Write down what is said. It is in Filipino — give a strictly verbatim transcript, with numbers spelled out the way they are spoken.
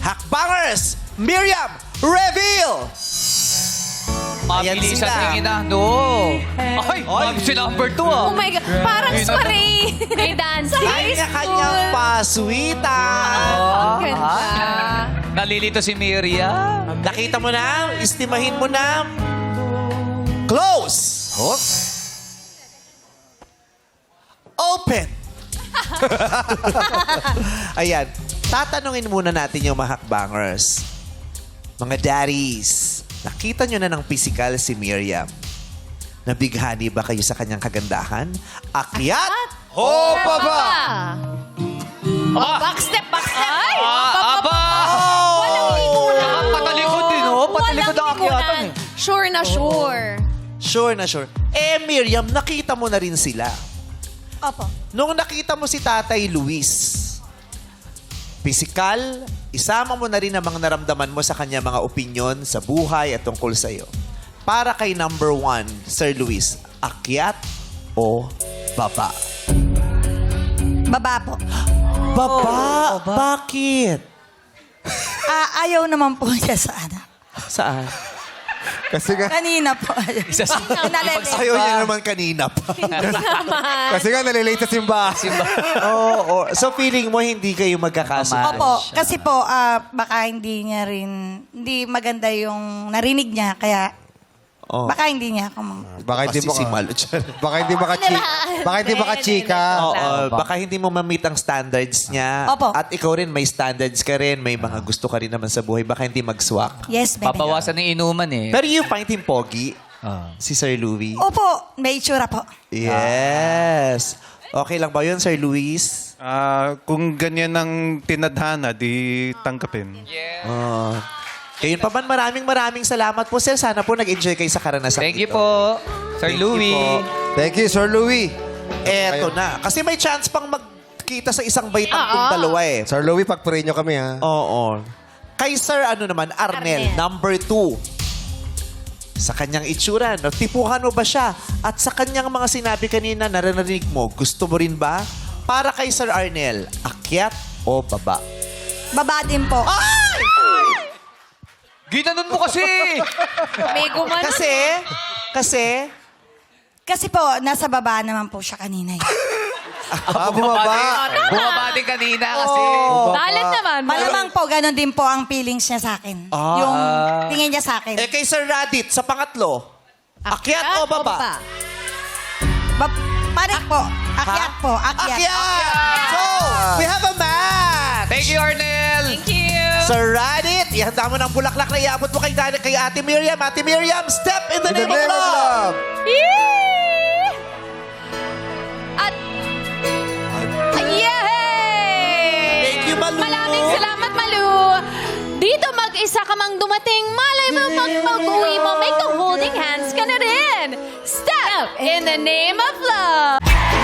Hakbangers, Miriam, reveal! Ayan Mabilis sila. ang tingin na. No. Ay, mabilis si number two ah. Oh my God, parang spray. May dancing. Kanya-kanyang paswitan. Ang ganda. Nalilito si Miriam. Nakita mo na, istimahin mo na. Close! Oh. Open! Ayan. Tatanungin muna natin yung mga hakbangers. Mga daddies, nakita nyo na ng physical si Miriam. Nabighani ba kayo sa kanyang kagandahan? Akyat o baba? Ah! Backstep, backstep. Ay! Ah, aba! Walang likunan. Saka patalikod din, oh. Patalikod ang akyatan eh. Sure na sure. Sure na sure. Eh, Miriam, nakita mo na rin sila. Opo. Nung nakita mo si Tatay Luis, physical, isama mo na rin ang mga naramdaman mo sa kanya mga opinyon sa buhay at tungkol sa iyo. Para kay number one, Sir Luis, akyat o baba? Baba po. Baba? Bakit? Ah, ayaw naman po siya sa ano. Saan? Kasi nga, Kanina po. Ayaw. Isa sa... Nalele. Ayaw niya naman kanina pa. kasi nga nalilate sa simba. Oo. oo. So feeling mo hindi kayo magkakasundo? Opo, kasi po, ah, baka hindi niya rin, hindi maganda yung narinig niya, kaya Oh. baka hindi niya ako mang... Baka hindi Kasi mo si ka, Malo dyan. baka hindi makachi, baka hindi makachika. Oo, baka hindi mo ma-meet ang standards niya. Opo. At ikaw rin, may standards ka rin. May mga gusto ka rin naman sa buhay. Baka hindi mag-swak. Yes, baby. Papawasan ng inuman eh. Pero you find him pogi, Ah. si Sir Louie. Opo, may itsura po. Yes. Okay lang ba yun, Sir Luis? Ah, kung ganyan ang tinadhana, di tanggapin. Oh. Kayun pa man, maraming maraming salamat po, Sir. Sana po nag-enjoy kayo sa karanasan Thank you ito. po, Sir Thank you Louie. po. Thank you, Sir Louie. Eto na. Kasi may chance pang magkita sa isang baitang kung dalawa eh. Sir Louie, pag-pray nyo kami, ha? Oo. Kay Sir, ano naman, Arnel, Arnel. number two. Sa kanyang itsura, natipuhan mo ba siya? At sa kanyang mga sinabi kanina, narinig mo, gusto mo rin ba? Para kay Sir Arnel, akyat o baba? Baba din po. Ginanon mo kasi! May gumano. Kasi, kasi, Kasi po, nasa baba naman po siya kanina. eh. Ah, bumaba. Bumaba din kanina kasi. Dalat naman. Malamang po, ganun din po ang feelings niya sa akin. Ah. Yung tingin niya sa akin. eh kay Sir Radit, sa pangatlo, akyat, o baba? Ba- panik po. Akyat po. Akyat. Akyat! So, we have a match! Thank you, Arnel! Thank you. Sir Radit, ihanda mo ng bulaklak na iabot mo kay, kay Ate Miriam. Ate Miriam, step in the, In the name, of love! Yay! At, yay! Thank you, Malu. Maraming salamat, Malu. Dito mag-isa ka mang dumating. Malay mo pag pag-uwi mo, may ka-holding hands ka na rin. Step in the name of love.